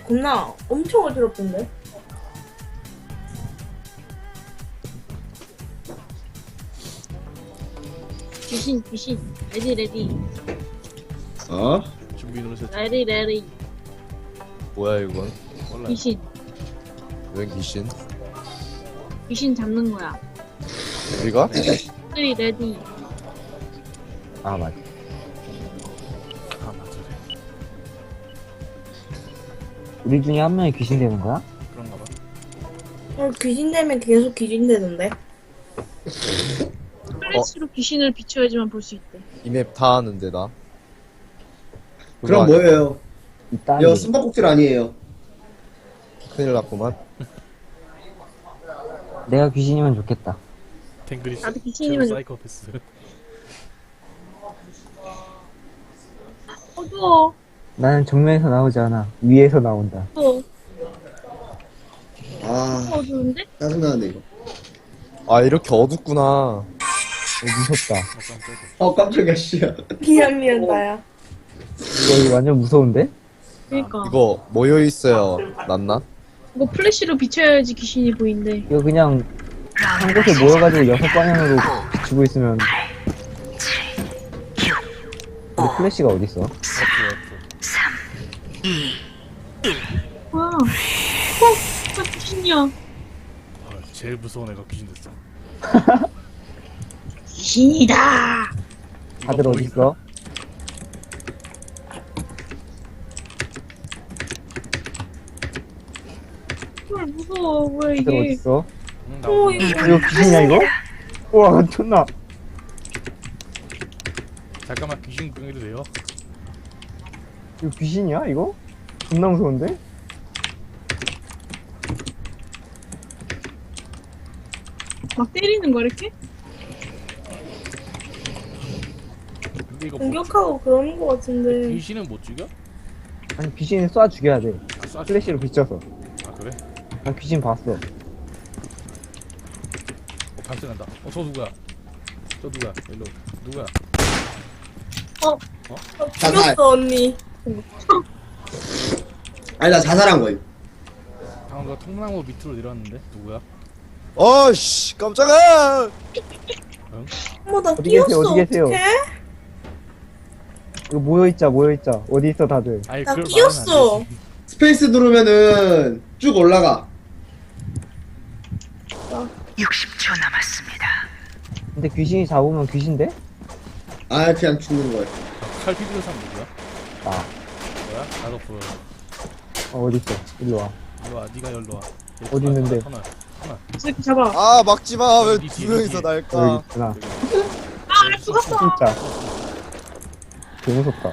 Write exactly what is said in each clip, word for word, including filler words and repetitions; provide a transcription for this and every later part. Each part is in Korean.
겁나 엄청 어지럽던데? 귀신 귀신 레디 레디 어? 준비 누르세요. 레디 레디 뭐야 이건? 몰라. 귀신 웬 귀신? 귀신 잡는 거야. 우리가? 레디 레디 아 맞아. 아 맞아. 우리 중에 한 명이 귀신 되는 거야? 그런가 봐. 어, 귀신 되면 계속 귀신 되던데? 플래시로 귀신을 비춰야지만 볼 수 있대. 이 맵 다 하는데 나. 그럼 그거 아니야? 뭐예요? 이딴 이거 숨바꼭질 아니에요. 큰일 났구만. 내가 귀신이면 좋겠다. 탱그리스. 나도 귀신이면 좋- 사이코패스. 어두워 나는 정면에서 나오지 않아. 위에서 나온다. 어두워 아, 어두운데? 짜증나네, 이거. 아 이렇게 어둡구나. 어, 무섭다. 어, 깜짝이야, 씨야. 미안, 미안, 나야. 이거, 이거 완전 무서운데? 그니까 이거, 이거 모여 있어요. 낫나? 이거 플래시로 비춰야지 귀신이 보인대. 이거 그냥 한 곳에 모여가지고 여섯 방향으로 비추고 있으면 근데 플래시가 어딨어? F F. 뭐야 어? 나 귀신이야. 아, 제일 무서운 애가 귀신 됐어. 귀신이다. 다들 이거 어딨어? 헐 무서워. 뭐야 다들 이게. 어딨어? 응, 나 오, 오늘 이거 이거 귀신이야 이거? 우와 존나. 잠깐만 귀신 구경해도 돼요? 이거 귀신이야 이거? 존나 무서운데? 막 때리는 거 이렇게? 근데 이거 못 공격하고 그러는 거 죽여? 같은데. 귀신은 못 죽여? 아니 귀신을 쏴 죽여야 돼. 아, 쏴 플래시로 비춰서. 아 그래? 나 귀신 봤어. 어 발생한다. 어 저 누구야? 저 누구야? 일로 누구야? 어, 자살. 죽였어, 언니. 아니, 나 자살한 거임. 방금 그 통나무 밑으로 내려왔는데 누구야? 어씨 깜짝아! 어머, 나 어디 끼었어. 계세요, 어디 계세요? 어떡해? 이거 모여있자 모여있자. 어디 있어 다들? 아니 나 그걸 끼었어. 말하면 안 되지. 스페이스 누르면은 쭉 올라가. 육십 초 남았습니다. 근데 귀신이 잡으면 귀신 돼? 아, 그냥 죽는 거야. 칼 휘두른 사람 누구야? 나. 뭐야? 나도 보여. 어, 어딨어? 일로 와. 일로 와. 네가 일로 와. 어디 있는데? 터널. 터널. 이 새끼 잡아. 아 막지 마. 왜 니 두 뒤에, 명이서 뒤에. 여기 날까? 있구나. 아 죽었어. 진짜. 개 무섭다.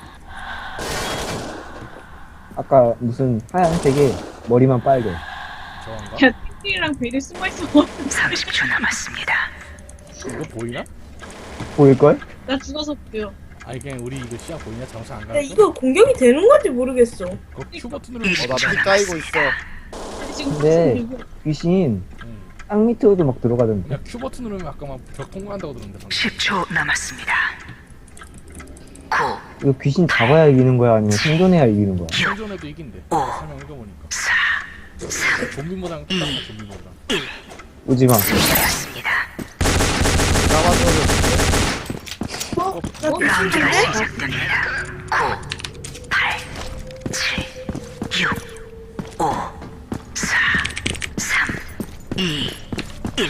아까 무슨 하얀색에 머리만 빨개. 저건가? 야 띵띵이랑 베리 숨어 있어. 삼십 초 남았습니다. 이거 보이나? 보일걸? 나 죽어서 볼게요. 아니 그냥 우리 이거 시야 보이냐? 장사 안 야, 가는 이거 공격이 되는 건지 모르겠어. 그 Q 버튼 누르면 어나피 까이고 있어. 아니 지금 근데 무슨 일이야? 귀신 응. 땅 밑으로도 막 들어가던데. 그냥 Q 버튼 누르면 아까 막 벽 통과한다고 들었는데 방금. 십 초 남았습니다. 구, 이거 귀신 잡아야 이기는 거야? 아니면 생존해야 이기는 거야? 생존에도 이긴대. 설명 읽어보니까. 사, 삼, 좀비모랑 똑같아 좀비모랑. 오지마. 되었습니다. 나와서 어? 나 라운드가 귀신인데? 시작됩니다. 구, 팔, 칠, 육, 오, 사, 삼, 이, 일.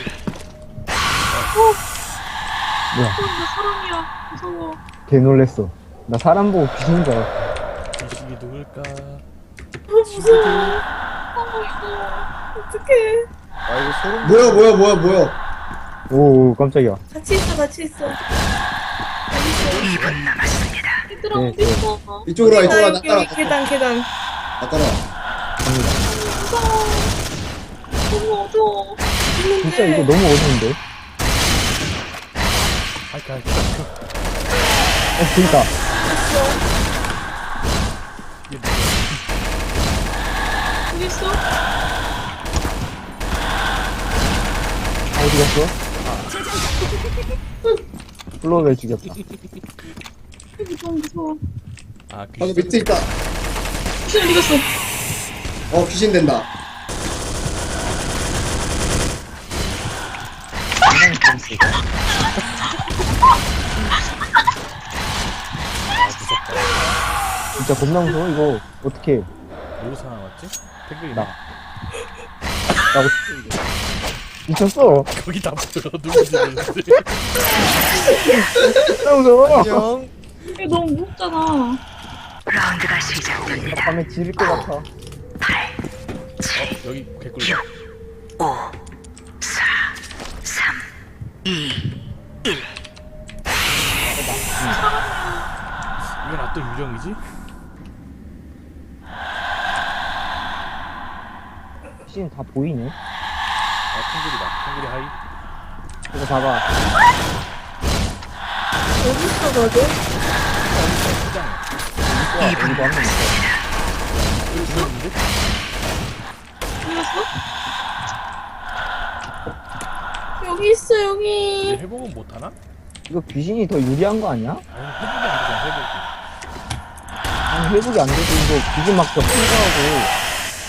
뭐야? 어, 나 사람이야. 무서워. 개 놀랬어. 나 사람 보고 귀신인 줄 알았어. 귀신이 누굴까? 어, 무서워. 어떡해. 아 이거 소름. 뭐야, 뭐야, 뭐야, 뭐야. 오, 깜짝이야. 같이 있어, 같이 있어. 이 분 남았습니다. 얘들아 네, 어디 있어? 이쪽으로 와, 나 이쪽으로 와. 나 여기, 따라와. 여기 계단, 계단. 나 따라와. 무서워. 너무 어두워. 진짜 이거 너무 어려운데? 아이까 아이까. 어, 그니까. 이게 뭐야? 어디 있어? 어디 갔어? 플로우를 죽였다. 여기 너무 무서워. 아 방금 귀신. 밑에 있다. 귀신 어디 갔어? 어 귀신 된다. 굉장히 재밌어. 아 무섭다. 진짜 겁나 무서워 이거. 어떻게? 누구 살아남았지? 펭귄이 나. 나. 나 어떻게 이거? 미쳤어. 거기 다 보여. 누구지? 진짜 무서워. 안녕. 이게 너무 무섭잖아. 라운드가 시작됩니다. 밤에 지릴 것 같아. 팔, 칠, 여기 개꿀. 육, 오, 사, 삼, 이, 일. 이건 어떤 유령이지? 귀신 다 보이네. 아 펭귄이다. 펭귄이 하이. 이거 봐봐. 어디 있어, 다들? 포장해. 여기도 한 명 있어. 여기 죽었는데? 죽였어? 여기 있어, 얘 여기. 회복은 못하나? 이거 귀신이 더 유리한 거 아니야? 아니 회복이 안 되잖아 회복이. 아니 회복이 안 돼도 이거 귀신 막더 풍부하고.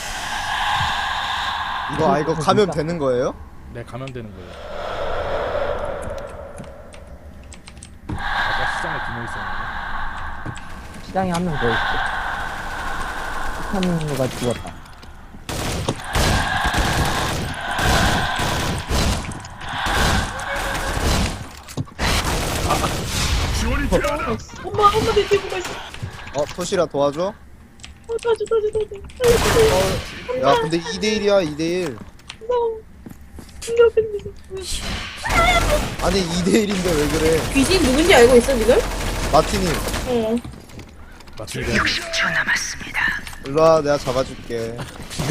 이거 아 이거 가면 되는 거예요? 네 감염되는 거예요. 아까 시장에 두 명 있었는데. 시장에 한 명 더 있어. 한 명가 죽었다. 엄마, 엄마 내 뒤에 뭐가 있어. 어 토시라 도와줘? 어, 도와줘, 도와줘, 도와줘. 살려주세요. 야 근데 이 대 일이야 이 대 일. 무서워. 충격 생기서. 아니 이 대 일인데 왜 그래? 귀신 누군지 알고 있어, 지금? 마티니 어. 맞추게. 육십 초 남았습니다. 일로와 내가 잡아줄게.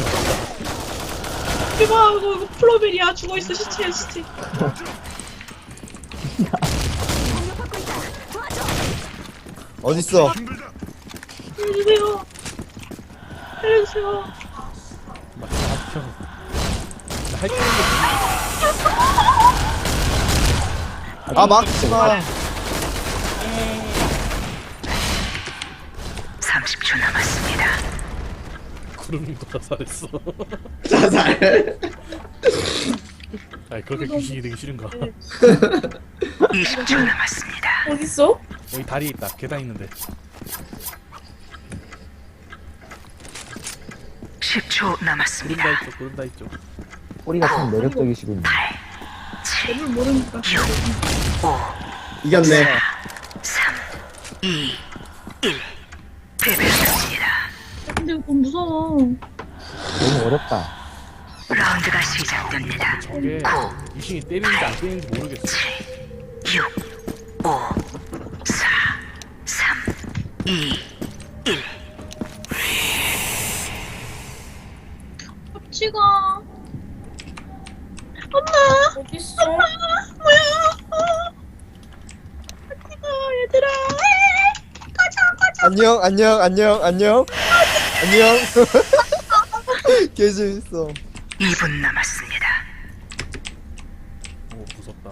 이봐, 이거, 이거 플로벨이야. 죽어있어, 시체야, 시체. 어딨어? 살려주세요. 살려주세요. 맞춰. 나할게 있는 아 막지마. 삼십 초 남았습니다. 게 구름이도 자살했어. 자살. 아니 그렇게 귀신이 되기 싫은가? 이십 초 남았습니다. 어딨어? 여기 다리 있다. 계단 있는데. 십 초 남았습니다. 구름다 있죠. 구름다 있죠. 꼬리가 참 매력적이시군요. 너무 모르니까. 이겼네. 삼, 이, 일. 패배했습니다. 근데 이거 너무 무서워. 너무 어렵다. 라운드가 시작됩니다. 저게 귀신이 때리는지 안 때리는지 모르겠어. 육, 오, 사, 삼, 이, 일. 합치가. 어딨어? 뭐야? 합치가, 얘들아. 안녕 안녕 안녕 안녕 안녕. 개 재밌어. 이 분 남았습니다. 오 무섭다.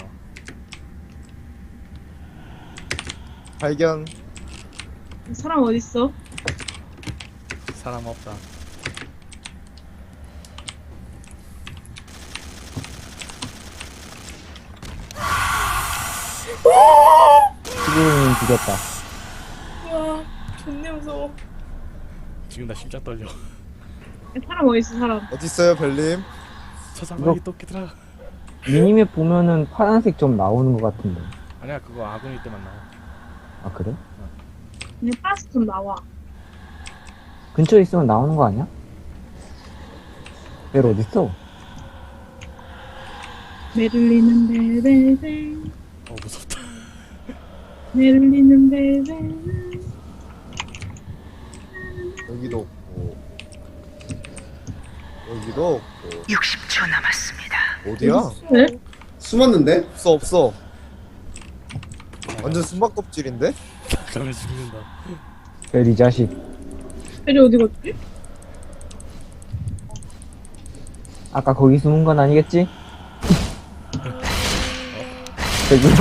발견. 사람 어딨어? 사람 없다. 지금 죽였다. 와, 존내 무서워. 지금 나 심장 떨려. 사람 어딨어, 사람? 어딨어요 벨님? 서상관이 토끼들아. 미니맵 보면은 파란색 좀 나오는 것 같은데. 아니야 그거 아군일 때만 나와. 아 그래? 그냥 파스 좀 나와. 근처에 있으면 나오는 거 아니야? 벨 어딨어? 메를리는 벨벨벨. 어 무섭다. 메를리는 벨벨벨. 여기도 없고 여기도 없고. 육십 초 남았습니다. 어디야? 네? 숨었는데? 없어 없어. 완전 숨바껍질인데? 가면 죽는다. 벨 이 자식. 벨이 어디 갔지? 아까 거기 숨은 건 아니겠지? 저기요?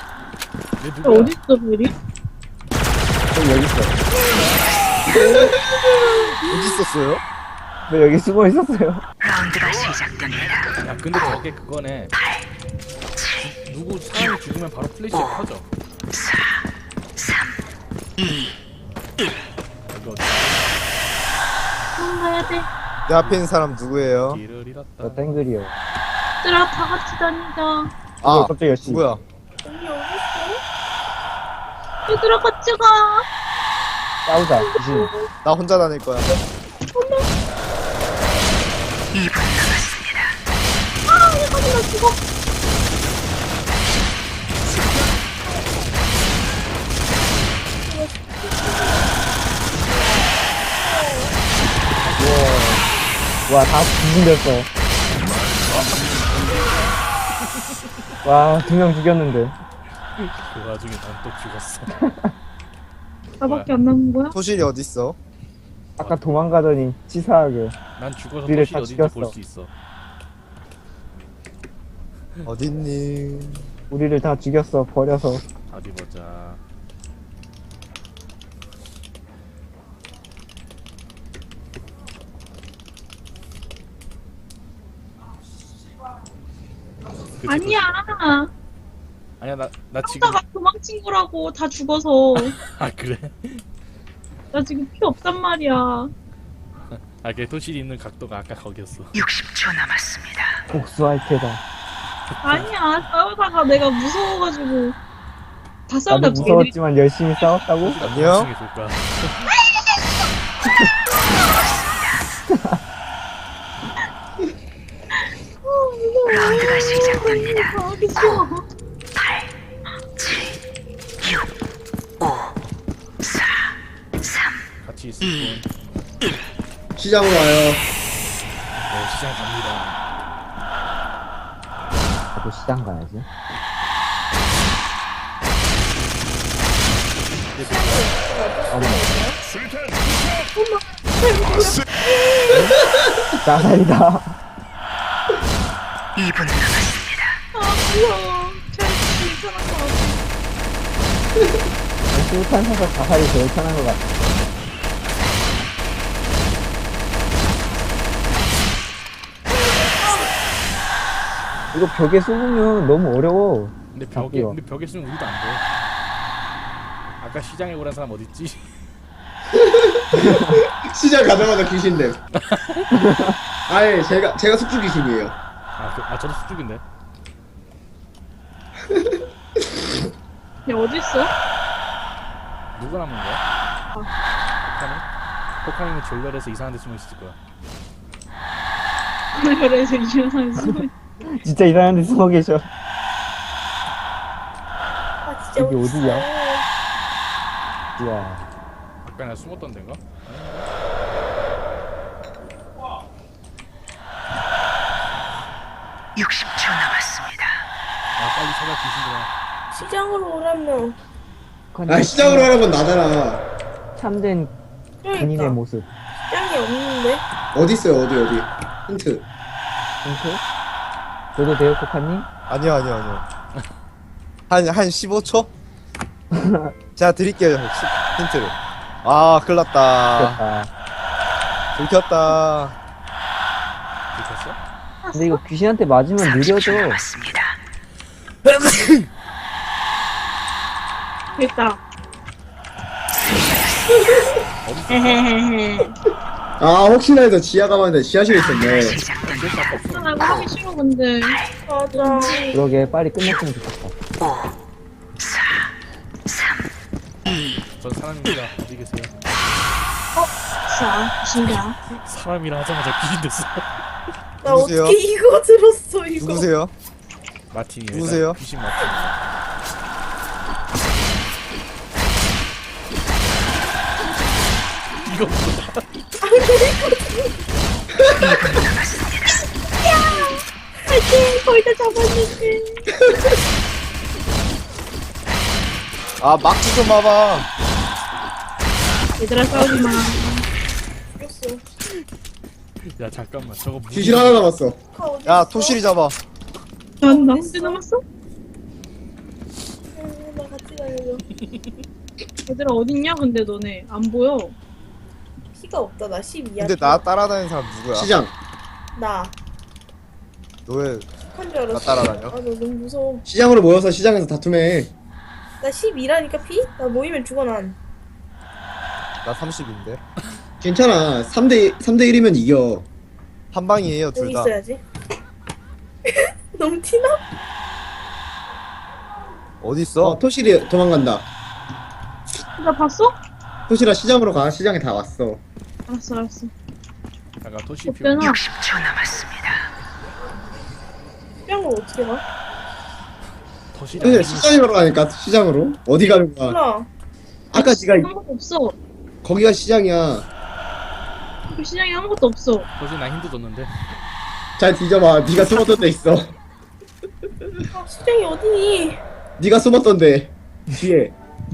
얘 벨 누구야? 어딨어, 벨이? 저기 여기 있어. 어디 있었어요? 왜 여기 숨어 있었어요? 라운드가 시작됩니다. 야 근데 저게 그거네. 누구 사람이 죽으면 바로 플래시가 켜져. 사, 삼, 이, 이거 도망가야 돼. 내 앞에 있는 사람 누구예요? 길을 잃었다. 저 땡글이요. 얘들아, 다 같이 다니자. 아, 갑자기 열심히. 누구야? 언니 어딨어? 얘들아, 같이 가. 싸우자. 귀신. 나 혼자 다닐 거야. 이 분 남았습니다. 아, 얘가 나 죽어. 와, 다 귀신 됐어. 와, 두 명 죽였는데. 그 와중에 난 또 죽었어. 나밖에 안 남은 거야? 토실이 어디 있어? 아까 도망가더니 치사하게. 난 죽어서 우리를 도시 다 어딘지 죽였어. 볼 수 있어. 어딨니? 우리를 다 죽였어, 버려서. 어디 보자. 그치, 아니야. 그치. 아니야 나 나 지금 하다가 도망친 거라고, 다 죽어서. 아 그래? 나 지금 피 없단 말이야. 아 그래 도실이 있는 각도가 아까 거기였어. 육십 초 남았습니다. 복수할 테다. 아니야, 싸우다가 내가 무서워가지고. 다 나도 싸우다 쟤들이 무서웠지만 열심히 싸웠다고? 아니요? 나중에 볼 거야. 라운드가 시작됩니다. 하기 싫어. 팔, 칠, 육, 오, 사, 삼, 같이 있을 분. 시장으로 와요. 네 시장 갑니다. 나도 시장 가야지. 나살이다. 이 분 남았습니다. 아, 무서워. 쟤 괜찮은 거 같아. 수탄사서 자살이 제일 편한 것 같아. 이거 벽에 숨으면 너무 어려워. 근데 벽에 잡기가. 근데 벽에 쓰면 우리도 안 돼. 아까 시장에 오란 사람 어디 있지? 시장 가자마자 귀신됨. 아예 제가 제가 숙주 귀신이에요. 아, 그, 아 저도 수축인데. 얘 어딨어? 누가 남은 거야? 포카니? 포카니는 졸렬해서 이상한 데 숨어 있을 거야. 그래서 이 영상에 숨어 있 진짜 이상한 데 숨어 계셔. 아 진짜 여기 어딨어? 어디야? 우와. 아까 나 숨었던 데인가? 육십 초 남았습니다. 아 빨리 찾아 귀신들아. 시장으로 오라며. 아 시장으로 하는 건 나잖아. 참된 군인의 그러니까 모습. 시장이 없는데? 어디 있어요 어디 어디. 힌트. 힌트? 저도 돼요, 코카님? 아니요, 아니요, 아니요. 한, 한 십오 초? 제가 드릴게요, 시- 힌트를. 아, 큰일 났다. 아, 들켰다. 들켰어? 근데 이거 귀신한테 맞으면 삼십 초 느려져. 남았습니다. 됐다. 어디 있어? 헤헤헤헤. 아 혹시나 해서 지하 가만데 지하실에 있었네. 시작됩니다. 나 이거 하기 싫어, 근데. 맞아. 그러게 빨리 끝냈으면 좋겠다. 오, 사, 삼, 이, 전 사람입니다. 어디 계세요? 자, 신기야. 사람이라 하자마자 귀신 됐어. 나 누구세요? 어떻게 이거 들었어 이거. 누구세요? 마틴이. 누구세요? 귀신 마틴. 이거 뭐야? 파이팅! 거의 다 잡았는데. 아, 막지 좀 봐봐. 얘들아, 싸우지 마. 죽였어. 야 잠깐만 저거 무슨 귀신 하나 남았어. 카 어디 야, 있어? 토실이 잡아. 난, 나 혼자 남았어? 응, 나 같이 다녀줘. 얘들아, 어딨냐, 근데 너네. 안 보여. 피가 없다. 나 십이야. 근데 나 따라다니는 사람 누구야? 시장. 나. 너 왜 한줄 알았어. 나 따라다녀? 아, 나 너무 무서워. 시장으로 모여서 시장에서 다툼해. 나 십이라니까 피? 나 모이면 죽어 난. 나 삼십인데. 괜찮아. 삼 대 삼 대 일이면 이겨. 한 방이에요, 여기 둘 다. 있어야지. 너무 티나? 어디 있어? 어, 토실이 도망간다. 나 봤어? 토실아 시장으로 가. 시장에 다 왔어. 알았어 알았어. 잠깐 토시 피 없잖아. 육십 초 남았습니다. 수영을 어떻게 가? 토시 토실 시장으로 가니까 시장으로. 어디 가는 거야? 몰라. 아까 지가 아무것도 없어. 거기가 시장이야. 그 시장에 아무것도 없어. 토시 나 힌트 줬는데. 잘 뒤져봐. 네가 숨었던 데 있어. 아, 수정이 어디니? 네가 숨었던 데 뒤에.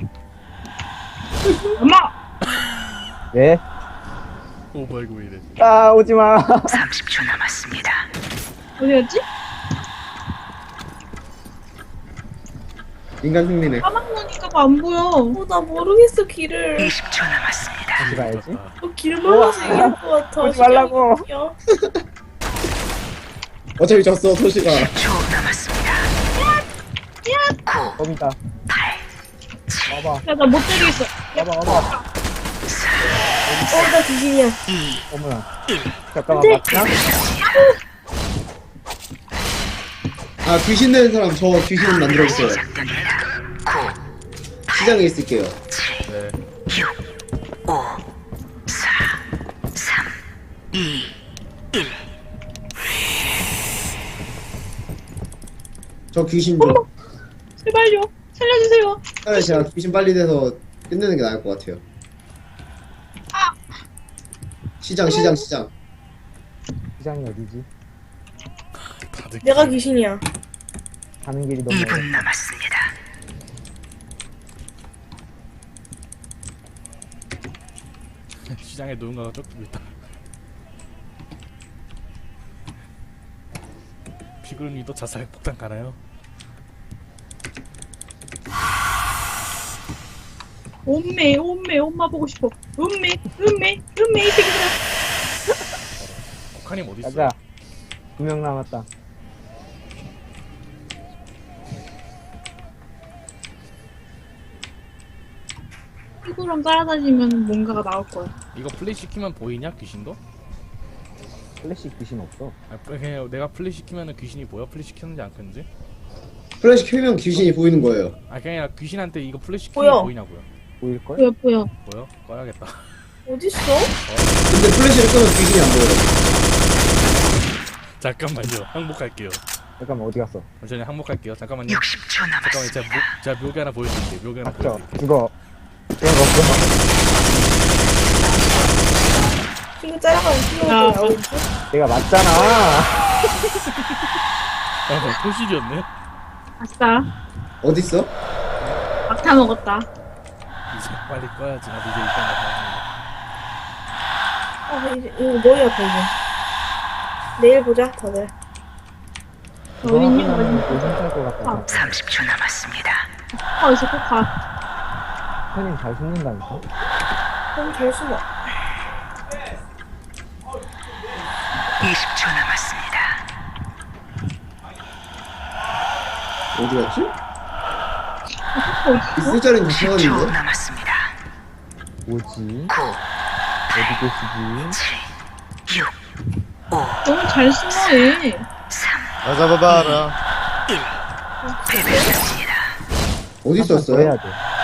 엄마. 왜? 오 뭐야 이거 왜 이래? 아 오지마. 삼십 초 남았습니다. 어디 갔지? 인간 승리네. 까만 거니까 안 보여. 어, 나 모르겠어, 길을. 이십 초 남았습니다. 어디 가야지? 어, 길 몰라서 얘기할 것 같아. 오지 말라고. 수정이 어디야? 어차피 졌어 토시가. 십 초 남았습니다. 구, 겁니다. 팔, 와봐. 야 나 못 때리겠어. 와봐 와봐. 어, 나 귀신이야. 이, 어머나. 잠깐만 네. 맞나? 아 귀신 되는 사람 저 귀신 만들어 있어요. 시작됩니다. 구, 시장에 있을게요. 네. 육, 오, 사, 삼, 이, 일. 저 귀신 좀. 제발요. 살려주세요. 차라리 제가 귀신 빨리 돼서 끝내는 게 나을 것 같아요. 시장 시장 시장. 시장이 어디지? 다들 내가 귀신이야. 가는 길이 너무 이 분 남았습니다. 시장에 누군가가 쫓기고 있다. 피그름이도 자살 폭탄 가나요? 엄매 엄매 엄마 보고 싶어. 음매 음매 음매 이 새끼들아. 코카님 어디 있어? 가자. 두 명 남았다. 피구랑 따라다니면 뭔가가 나올 거야. 이거 플레이 시키면 보이냐 귀신도? 플래시 귀신 없어. 아, 그냥 내가 플레이 시키면은 귀신이 보여? 플레이 시켰는지 안 켰는지? 플래시 켜면 귀신이 보이는 거예요. 아 그냥 귀신한테 이거 플레이 시키면 보여. 보이냐고요? 보일걸? 보여 보여. 보여? 꺼야겠다. 어딨어? 근데 플래시를 끄면 귀신이 안 보여요. 잠깐만요. 항복할게요. 잠깐만 어디 갔어? 잠시만요. 항복할게요. 잠깐만요. 육십 초 잠깐만 제가, 남았습니다. 묘, 제가 묘기 하나 보여드릴게요. 묘기 하나 맞죠? 보여드릴게요. 죽어. 게임 없어. 친구 따라가면 친구가 야, 또 나오겠지? 내가 맞잖아. 아, 나 소실이었네. 아싸. 어딨어? 막타 먹었다. 이제 빨리 꺼야지. 나도 이제 일단 나가. 아, 이제, 이거 머리 아파, 이제. 내일 보자, 다들. 그거 어딨니? 하면은 어딨니? 요즘 살것 같다. 삼십 초 남았습니다. 어디서 꼭 가. 형님 잘 숨는다니까? 너무 잘 숨어. 이십 초 남았습니다. 어디 갔지? 어디 있을 자리는 다 십 초 세웠는데. 남았습니다. 뭐지? 구, 어디 계시지? 칠, 육, 오, 너무 잘 숨어 얘. 삼, 나 잡아봐라. 일. 패배했습니다. 어디 더 있었어요? 해야 돼.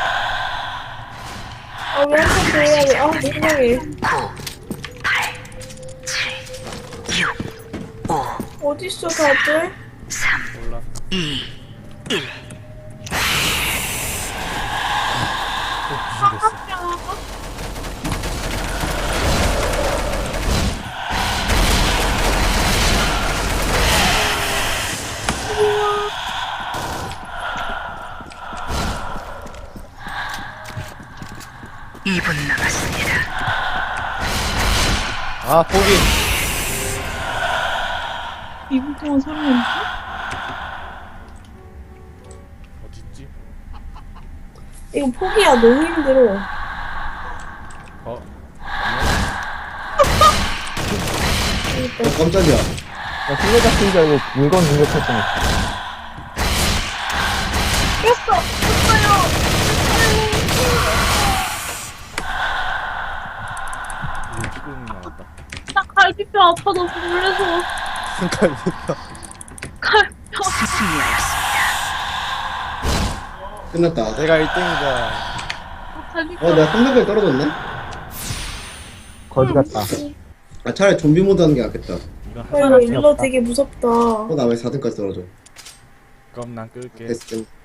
아, 왜 한 번 더 해야 돼? 아, 민망해. 구, 팔, 칠, 육, 오, 어딨어, 다들? 삼, 몰라. 이, 일. 또 귀신 됐어. 이 분 남았습니다. 아, 포기. 이 분 동안 살아남지? 어딨지? 이거 포기야, 너무 힘들어. 어? 아니야? 어, 깜짝이야. 나 술래 잡힌 줄 알고 물건 공격했잖아. 깼어! 깼어요! 이제 쭈꾸미 나왔다. 나 갈비뼈 아파, 너무 놀래서. 갈비뼈. 갈비뼈. 승리하였습니다. 끝났다. 내가 일 등이다. 아, 갈비뼈. 어, 내가 삼 레벨 떨어졌네? 거지 같다. 아, 차라리 좀비 모드 하는 게 낫겠다. 이건 어, 하나 이거 일러 되게 무섭다. 어, 나 왜 사 등까지 떨어져? 그럼 난 끌게. 됐음.